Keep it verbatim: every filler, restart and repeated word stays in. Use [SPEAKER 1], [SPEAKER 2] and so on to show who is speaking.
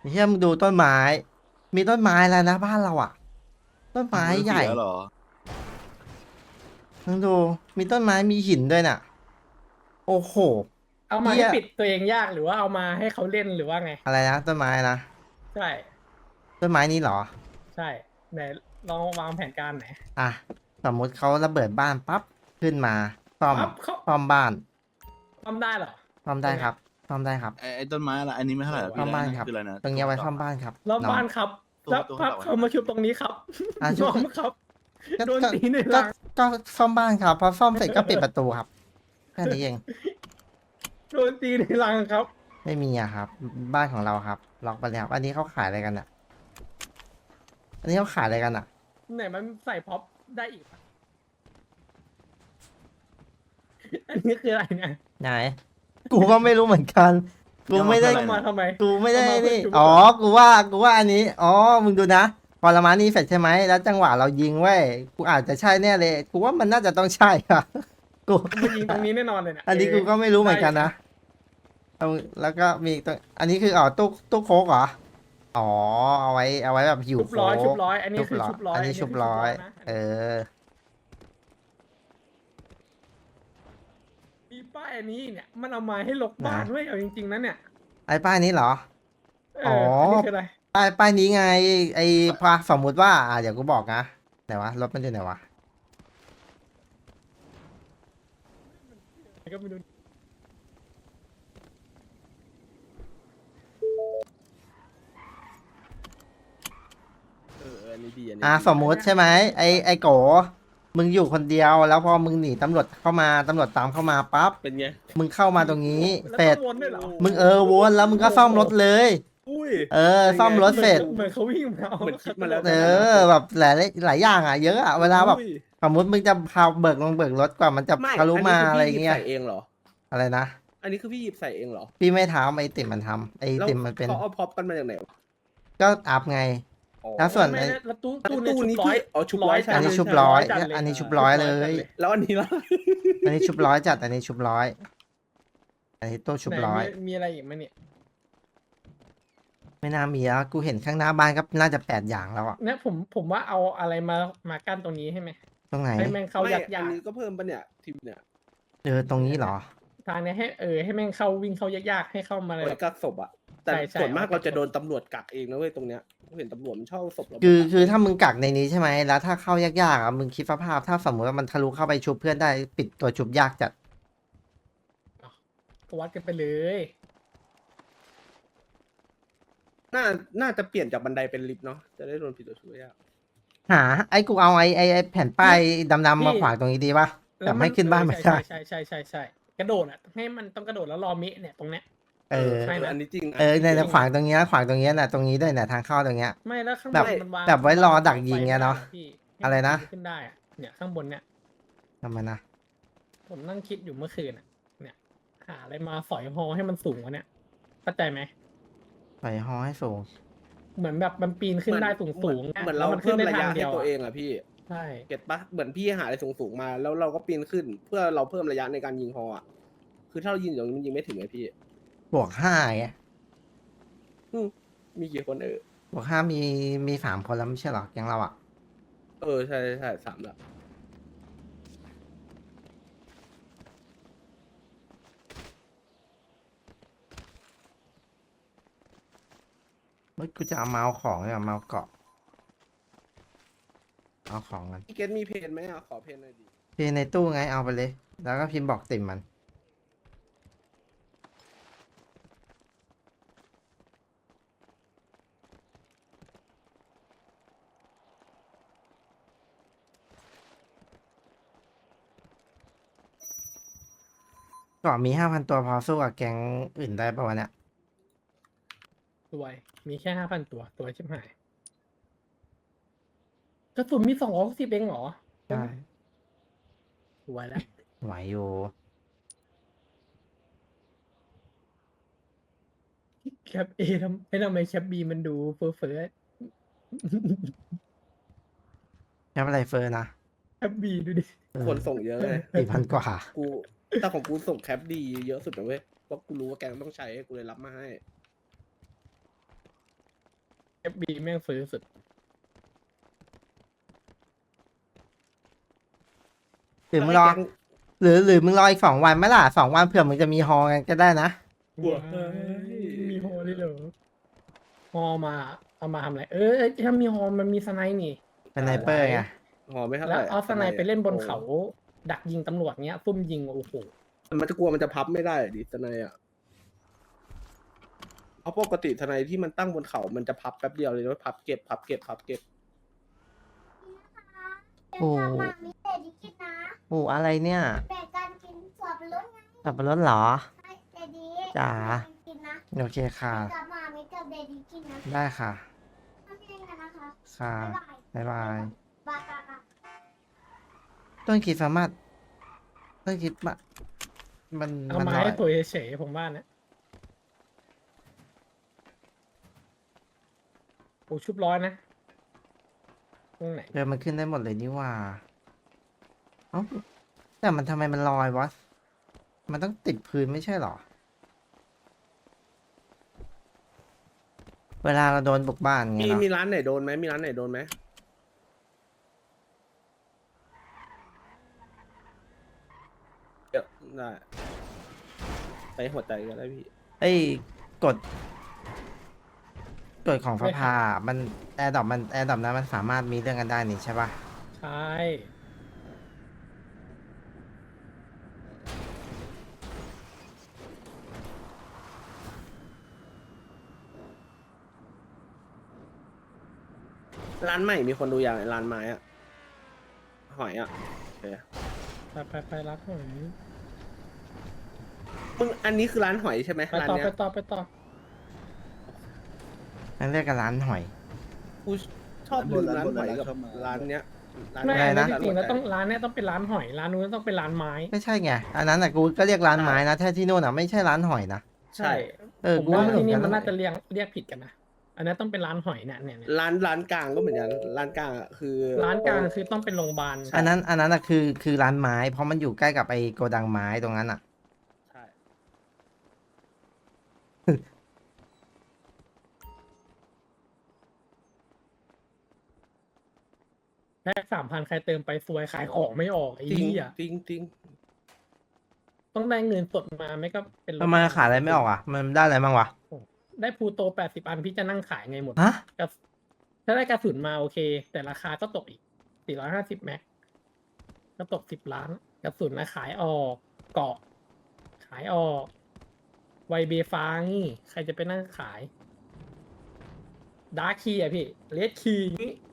[SPEAKER 1] เฮียมึงดูต้นไม้ มีต้นไม้แล้วนะบ้านเราอ่ะ ต้นไม้
[SPEAKER 2] มือ
[SPEAKER 1] ใหญ่
[SPEAKER 2] เสียเหรอ
[SPEAKER 1] มึงดูมีต้นไม้มีหินด้วยน่ะ โอ้โห
[SPEAKER 3] เอามา
[SPEAKER 1] เฮีย
[SPEAKER 3] ให้ปิดตัวเองยากหรือว่าเอามาให้เขาเล่นหรือว่าไง
[SPEAKER 1] อะไรนะต้นไม้นะ
[SPEAKER 3] ใช่
[SPEAKER 1] ต้นไม้นี้เหรอ
[SPEAKER 3] ใช่ไหนลองวางแผนการไหนอย
[SPEAKER 1] อ่ะสมมุติเขาระเบิดบ้านปั๊บขึ้นมาซ่อม
[SPEAKER 3] ปั๊บเขา
[SPEAKER 1] ซ่อมบ้าน
[SPEAKER 3] ทำได้เหรอ
[SPEAKER 1] ซ่อม
[SPEAKER 3] ตรงเนี้ย
[SPEAKER 1] ได้ครับซ่อมได้ครับ
[SPEAKER 2] ไอ้ไอ้ต้นไม้อะไรอันนี้ไม่เท่าไหร่หรอก
[SPEAKER 1] ซ่อ
[SPEAKER 2] พี่
[SPEAKER 1] มบ้านครับ
[SPEAKER 2] คืออะไรนะ
[SPEAKER 1] ตรงนี้เอาไว้ซ่อมบ้านครับ
[SPEAKER 3] รอบ
[SPEAKER 1] น้อง
[SPEAKER 3] บ้านครับ
[SPEAKER 2] ตัว
[SPEAKER 3] แล้ว
[SPEAKER 2] ตัว
[SPEAKER 3] พับ
[SPEAKER 2] เขา
[SPEAKER 3] เขามาชุบตรงนี้ครับ
[SPEAKER 1] อ่ะ
[SPEAKER 3] ย
[SPEAKER 1] ชุบ
[SPEAKER 3] อมครับ
[SPEAKER 1] ก็
[SPEAKER 3] โดน
[SPEAKER 1] ก็
[SPEAKER 3] ตีใน
[SPEAKER 1] ก็
[SPEAKER 3] รัง
[SPEAKER 1] ก็ซ่อมบ้านครับพอซ่อมเสร็จก็ปิดประตูครับแค่นี้เอง
[SPEAKER 3] โดนตีในรังครับ
[SPEAKER 1] ไม่มีอะครับ บ้านของเราครับล็อกไปแล้วอันนี้เขาขายอะไรกันอ่ะ อันนี้เขาขายอะไรกันอ่ะ
[SPEAKER 3] ไหนมันใส่พ็อปได้อีกปะอันนี้คืออะไรเนี่ย
[SPEAKER 1] ไหน กูก็ไม่รู้เหมือนกัน กูไม่ได้
[SPEAKER 3] เอามาทำไม
[SPEAKER 1] กูไม่ได้
[SPEAKER 3] เอามาเพื่อ
[SPEAKER 1] นี่
[SPEAKER 3] จุ๊บ
[SPEAKER 1] อ๋อ กูว่า กูว่าอันนี้ อ๋อ มึงดูนะ พอละมานี่เสร็จใช่ไหม แล้วจังหวะเรายิงเว้ย กูอาจจะใช่แน่เลย กูว่ามันน่าจะต้องใช่อะกู
[SPEAKER 3] มันยิงตรงนี้แน่นอนเลยเนี่ย
[SPEAKER 1] อันนี้กูก็ไม่รู้เหมือนกันนะเอาแล้วก็มีตัวอันนี้คืออ๋อตู้ตู้โค้กเหรอ อ๋อ เอาไว้ เอาไว้แบบหิว
[SPEAKER 3] ชุบ
[SPEAKER 1] โค้
[SPEAKER 3] ร้อยชุบ
[SPEAKER 1] ก
[SPEAKER 3] ร้อยอันนี้คือชุบร้อย
[SPEAKER 1] อันนี้ชุบร้อย
[SPEAKER 3] นะ
[SPEAKER 1] เออ
[SPEAKER 3] มีป้ายอันนี้เนี่ยมันเอามาให้ลกบ้านด้วยเอาจริงๆนะเนี่ย
[SPEAKER 1] ไอ้ป้ายนี้เหรอ
[SPEAKER 3] เออ
[SPEAKER 1] อ
[SPEAKER 3] อันนี้คืออะไร
[SPEAKER 1] ป้ายป้ายนี้ไง ไอ้พาสมมุติว่า อ่าเดี๋ยวกูบอกนะไหนวะ รถมันอยู่ไหนวะ
[SPEAKER 3] ก็ไม่รู้
[SPEAKER 4] เอออันนี้ดีอันนี้
[SPEAKER 1] อ่า
[SPEAKER 4] ดี
[SPEAKER 1] สมมุติใช่ไหมไอ้ไอ้โก มึงอยู่คนเดียว แล้วพอมึงหนีตำรวจเข้ามาตำรวจตามเข้ามาปั๊บ
[SPEAKER 4] เป็นไง
[SPEAKER 1] มึงเข้ามาตรงนี้
[SPEAKER 3] แล้ว
[SPEAKER 1] เสร็จ
[SPEAKER 3] ต้องวนด้วยเหรอ
[SPEAKER 1] มึงเออวนแล้วมึงก็ซ่อมรถเลย
[SPEAKER 4] อุ้ย
[SPEAKER 1] เออ ซ่อมรถเสร็จ
[SPEAKER 3] เหมือนเขาวิ่งมา
[SPEAKER 4] เหมือนคิดมาแล้ว
[SPEAKER 1] เออ แบบหลายหลายอย่างอ่ะ เยอะอ่ะ เวลาแบบ
[SPEAKER 4] อุ้ย
[SPEAKER 1] สมมติมึงจะพาเบิกลงเบิกรถกว่ามันจะ
[SPEAKER 4] ไม่
[SPEAKER 1] ทะลุมา
[SPEAKER 4] คื
[SPEAKER 1] อะไร
[SPEAKER 4] พี่หยิบ
[SPEAKER 1] เงี้ย
[SPEAKER 4] ใส่เองเหรอ
[SPEAKER 1] อะไรนะ
[SPEAKER 4] อันนี้คือพี่หยิบใส่เองเหรอ
[SPEAKER 1] พี่ไม่ทำไอ้ติ่มมันทำไอ้
[SPEAKER 4] แล้ว
[SPEAKER 1] ติ่มมันเป็น
[SPEAKER 4] เขาเอาพ็อปกันมาจากไหนวะ
[SPEAKER 1] ก็อัพไง
[SPEAKER 4] อ๋อ
[SPEAKER 1] แล้วส่วน
[SPEAKER 3] ไม่ได้แล้วตู้
[SPEAKER 4] ตู้
[SPEAKER 3] ตู้
[SPEAKER 4] ตู้
[SPEAKER 3] นี้
[SPEAKER 4] นี้
[SPEAKER 3] ชุบร้อย
[SPEAKER 4] พี่อ๋อชุบร้อย
[SPEAKER 3] จัด
[SPEAKER 1] อันนี้
[SPEAKER 3] เลย
[SPEAKER 1] ชุบร้อย
[SPEAKER 3] จัดเลย
[SPEAKER 1] อันนี้ชุบร้อยเลย
[SPEAKER 4] แล้วอันนี้ล่ะ
[SPEAKER 1] อันนี้ชุบร้อยจัด อันนี้ชุบร้อย อันนี้ตู้ชุบ
[SPEAKER 3] ไหน
[SPEAKER 1] ร้อย
[SPEAKER 3] มีมีอะไรอีกไหมเนี่ย
[SPEAKER 1] ไม่น่ามีแล้ว กูเห็นข้างหน้าบ้านก็น่าจะแปดอย่างแล้วอ่ะ
[SPEAKER 3] เนี่ยผมผมว่าเอาอะไรมามากั้นตรงนี้ให้ไหม
[SPEAKER 1] ตรงไหน
[SPEAKER 3] ให้แม่งเข้า
[SPEAKER 4] ไม่
[SPEAKER 3] ยาก
[SPEAKER 4] อั
[SPEAKER 3] ยาน ก
[SPEAKER 4] นี้ก็เพิ่มปะเนี่ยทีมเนี่ย
[SPEAKER 1] เออ ตรงนี้เหรอ
[SPEAKER 3] ทางเนี้ยให้เออให้แม่งเข้าวิ่งเข้ายากๆให้เข้ามาเลย
[SPEAKER 4] ไว้กักศพอะแต่
[SPEAKER 3] ใช่ใช่
[SPEAKER 4] ส่วนมาก
[SPEAKER 3] เอาไว้กัก
[SPEAKER 4] เราจะโดนตำรวจกักเองนะเว้ยตรงเนี้ยเห็นตำรวจมันชอบเอาศพเรา
[SPEAKER 1] คือ
[SPEAKER 4] ไปกัก
[SPEAKER 1] คือถ้ามึงกักในนี้ใช่ไหม แล้วถ้าเข้ายากๆอ่ะ มึงคิดสภาพ ถ้าสมมติว่ามันทะลุเข้าไปชุบเพื่อนได้ปิดตัวชุบยากจัด
[SPEAKER 3] ก็วัดกันไปเลย
[SPEAKER 4] น่าน่าจะเปลี่ยนจากบันไดเป็นลิฟต์เนาะจะได้โดนผิดตัวช่วยยาก
[SPEAKER 1] หา ไอ้กูเอาไอ้ไอ้ไอ้แผ่นป้ายดำๆมาขวางตรงนี้ดีป่ะ แต่ไม่ขึ้นบ้านไม่ได้
[SPEAKER 3] ใช่ใช่ใช่ใช่ใช่กระโดดอ่ะให้มันต้องกระโดดแล้วรอมิเนี่ยตรงเนี้ย
[SPEAKER 1] เออ
[SPEAKER 3] ใช่นะ
[SPEAKER 4] อันนี้จริง
[SPEAKER 1] เออใน
[SPEAKER 4] จ
[SPEAKER 1] ใน
[SPEAKER 4] ริง
[SPEAKER 1] ขวางตรงเนี้ยขวางตรงเนี้ยน่ะตรงนี้ด้วยน่ะทางเข้าตรงเนี้ย
[SPEAKER 3] ไม่แล้วข้างบ
[SPEAKER 1] แบบ
[SPEAKER 3] นมันวาง
[SPEAKER 1] แบบไว้รอดักยิงไงเนาะ
[SPEAKER 3] พี่ให้
[SPEAKER 1] อะไรนะ
[SPEAKER 3] ขึ้นได้อะเนี่ยข้างบนเนี่ย
[SPEAKER 1] ทำไมนะ
[SPEAKER 3] ผมนั่งคิดอยู่เมื่อคืนอ่ะ เนี่ย หาอะไรมาสอยฮอให้มันสูงกว่าเนี่ยเข้าใจไหม
[SPEAKER 1] ปล่อยฮอให้สูง
[SPEAKER 3] เหมือนแบบมันปีนขึ้นได้สูงสูง
[SPEAKER 4] เหมือนเรา
[SPEAKER 3] มัน
[SPEAKER 4] เพิ่
[SPEAKER 3] ขึ้
[SPEAKER 4] ม
[SPEAKER 3] นได้
[SPEAKER 4] ระะ
[SPEAKER 3] ทายงเดี
[SPEAKER 4] ให้
[SPEAKER 3] ยว
[SPEAKER 4] ตัว
[SPEAKER 3] อะ
[SPEAKER 4] เองอะพี่
[SPEAKER 3] ใช่
[SPEAKER 4] เก็ตปะเหมือนพี่หาอะไรสูงๆมา แล้วเราก็ปีนขึ้น เพื่อเราเพิ่มระยะในการยิงฮออะคือถ้าเรายิงอย่างนี้มันยิงไม่ถึงไงพี่
[SPEAKER 1] บวกห้าไง
[SPEAKER 4] อืมมีกี่คนเออบ
[SPEAKER 1] วกห้ามีมีสามคนแล้วไม่ใช่เหรอแก๊งเราอ่ะ
[SPEAKER 4] เออใช่ใช่ใช่สามละ
[SPEAKER 1] เฮ้ยกูจะเอามาเอาของเนี่ยมาเอาเกาะ เอาของกัน
[SPEAKER 4] พี่เกตมีเพนไหมอะขอเพนหน่อยดิ
[SPEAKER 1] พี่ในตู้ไงเอาไปเลย แล้วก็พิมพ์บอกติ่มมันเกาะมีห้าพันตัวพอสู้กับแก๊งอื่นได้ปะวะเนี่ย
[SPEAKER 3] สวย มีแค่ห้าพันตัวตัวชิบหายกระสุนมีสองร้อยสิบเองเหรอ
[SPEAKER 1] ใช่
[SPEAKER 3] สวยแล้ว
[SPEAKER 1] ไหวอยู่
[SPEAKER 3] แคปเอทำไอ้ทำไมแคปบีมันดูเฟ้อเฟ้อ
[SPEAKER 1] แค่อะไรเฟอร์นะ
[SPEAKER 3] แคปบีดูดิ
[SPEAKER 1] เออ
[SPEAKER 4] คนส่งเยอะเลย
[SPEAKER 1] สี่พันกว่า
[SPEAKER 4] กูแต่ของกูส่งแคปดีเยอะสุดนะเว้ยเพราะกูรู้ว่าแกงต้องใช้กูเลยรับมาให้
[SPEAKER 3] ฟบีแม่งฟื้นสุด
[SPEAKER 1] หรือมึงรอ หรือหรือมึงรออีกสองวันไหมล่ะสองวันเผื่อมึงจะมีฮอกันก็ได้นะ
[SPEAKER 4] กลัว
[SPEAKER 3] เฮ้ยมีฮอเลยเหรอฮอมาเอามาทำอะไร เออเอ้ยถ้ามีฮอมันมีสไนป์นี่
[SPEAKER 1] เป็นไนเปอร์ไง
[SPEAKER 4] หอไม่เท่าไห
[SPEAKER 3] แล้ว
[SPEAKER 4] ร่
[SPEAKER 3] เอาสไนป์ไปเล่นบนเขา
[SPEAKER 4] โอ้
[SPEAKER 3] ดักยิงตำรวจเงี้ยซุ่มยิงโอ้โห
[SPEAKER 4] มันจะกลัวมันจะพับไม่ได้ดิทนายอ่ะเพราะปกติทนายที่มันตั้งบนเขา มันจะพับแป๊บเดียวเลยนะพับเก็บพับเก็บพับเก็บ
[SPEAKER 1] โอ้
[SPEAKER 2] เดี๋ยวกลับมามีแต่ดิกินนะ
[SPEAKER 1] โอ้อะไรเนี่ย
[SPEAKER 2] แบ่งกันกินสับปะรดไง
[SPEAKER 1] สับปะรดเหรอ
[SPEAKER 2] ให้แต่ดี
[SPEAKER 1] จ๋า
[SPEAKER 2] แบ่งกันกินนะ
[SPEAKER 1] โอเคค่ะ
[SPEAKER 2] กลับมามีกับเดดีกินนะ
[SPEAKER 1] ได้ค่ะ
[SPEAKER 2] ทำเองกันนะคะ
[SPEAKER 1] ค่ะ
[SPEAKER 2] บ๊ายบาย
[SPEAKER 1] บ๊ายบาย
[SPEAKER 2] บายบายบาย
[SPEAKER 1] ต้นคิดสามารถต้นคิดมามัน
[SPEAKER 3] เอา
[SPEAKER 1] มัน
[SPEAKER 3] ไม้
[SPEAKER 1] น้อย
[SPEAKER 3] ให้ตัวเฉยๆผมว่านะโอ้ชุบร้อยนะตรงไหน
[SPEAKER 1] เออมันขึ้นได้หมดเลยนี่หว่าเอ้าแต่มันทำไมมันลอยวะ มันต้องติดพื้นไม่ใช่เหรอ เวลาเราโดนบุกบ้านไง
[SPEAKER 4] มี
[SPEAKER 1] เนาะ
[SPEAKER 4] มีร้านไหนโดนไหมมีร้านไหนโดนไหมเดี๋ยวได้ไปหัวใจกันได้พี่
[SPEAKER 1] ไอ้ยกฎกฎของฟ้าผ่ามันแอร์ดอปมันแอร์ดอปนั้นมันสามารถมีเรื่องกันได้นี่ใช่ปะ
[SPEAKER 3] ใช่
[SPEAKER 4] ร้านใหม่มีคนดูอย่างร้านไม้อะหอยอะโอเค
[SPEAKER 3] ไปไปไปรับหน่อย
[SPEAKER 4] มึงอันนี้คือร้านหอยใช่ไหม
[SPEAKER 3] ไป
[SPEAKER 4] ร้าน
[SPEAKER 3] ต่อ
[SPEAKER 4] เนี้
[SPEAKER 3] ไป
[SPEAKER 4] ย
[SPEAKER 3] ต่อไปต่อ
[SPEAKER 1] นั่นเรียกกันร้านหอย
[SPEAKER 4] กูชอบลืมร้านหอยกับร้านเนี้ยร้าน
[SPEAKER 3] ไม่
[SPEAKER 1] อะไร
[SPEAKER 3] อัน
[SPEAKER 1] นะ
[SPEAKER 3] นั้นจริงๆแล้ว
[SPEAKER 4] หัวใจ
[SPEAKER 3] ต้องร้านเนี้ยต้องเป็นร้านหอย ร้านนู้นต้องเป็นร้านไม้
[SPEAKER 1] ไม่ใช่ไง อันนั้นอ่ะกูก็เรียกร้านไม้นะแท้ที่นู่นอ่ะไม่ใช่ร้านหอยนะ
[SPEAKER 4] ใช่
[SPEAKER 1] เออ
[SPEAKER 3] ผม
[SPEAKER 1] กู
[SPEAKER 3] ว่า
[SPEAKER 1] ไม่รู้
[SPEAKER 3] ที่นี่
[SPEAKER 1] เหมื
[SPEAKER 3] มัน
[SPEAKER 1] อนกั
[SPEAKER 3] น่าจะเรียกเรียกผิดกันนะ อันนั้นต้องเป็นร้านหอยเนี่ยเนี่ยเนี่ย
[SPEAKER 4] ร้านร้านกลางก็เหมือนกันร้านกลางอะคือ
[SPEAKER 3] ร้านกลางคือต้องเป็นโรงพยาบาล
[SPEAKER 1] อันนั้นอันนั้นอ่ะคือคือร้านไม้ เพราะมันอยู่ใกล้กับไอ้โกดังไม้ตรงนั้นอ่ะ
[SPEAKER 4] ใช่
[SPEAKER 3] แค่สามพันใครเติมไปซวยขายของไม่ออกไอ้
[SPEAKER 4] จริง
[SPEAKER 3] เหี้ย
[SPEAKER 4] จริงจริง
[SPEAKER 3] ต้องได้เงินสดมาไม่ก็เป็นรถ
[SPEAKER 1] ทำไมขายอะไรไม่ออกอ่ะ มันได้อะไรบ้างวะ
[SPEAKER 3] ได้พลูโตแปดสิบอันพี่จะนั่งขายไงหมด
[SPEAKER 1] ฮะ
[SPEAKER 3] กระถ้าได้กระสุนมาโอเค แต่ราคาก็ตกอีกสี่ร้อยห้าสิบแม็กก็ตกสิบล้าน กระสุนนะขายออกเกาะ ขายออกไวเบฟางี้ใครจะไปนั่งขายดาร์คคีอ่ะพี่เลดคีนี้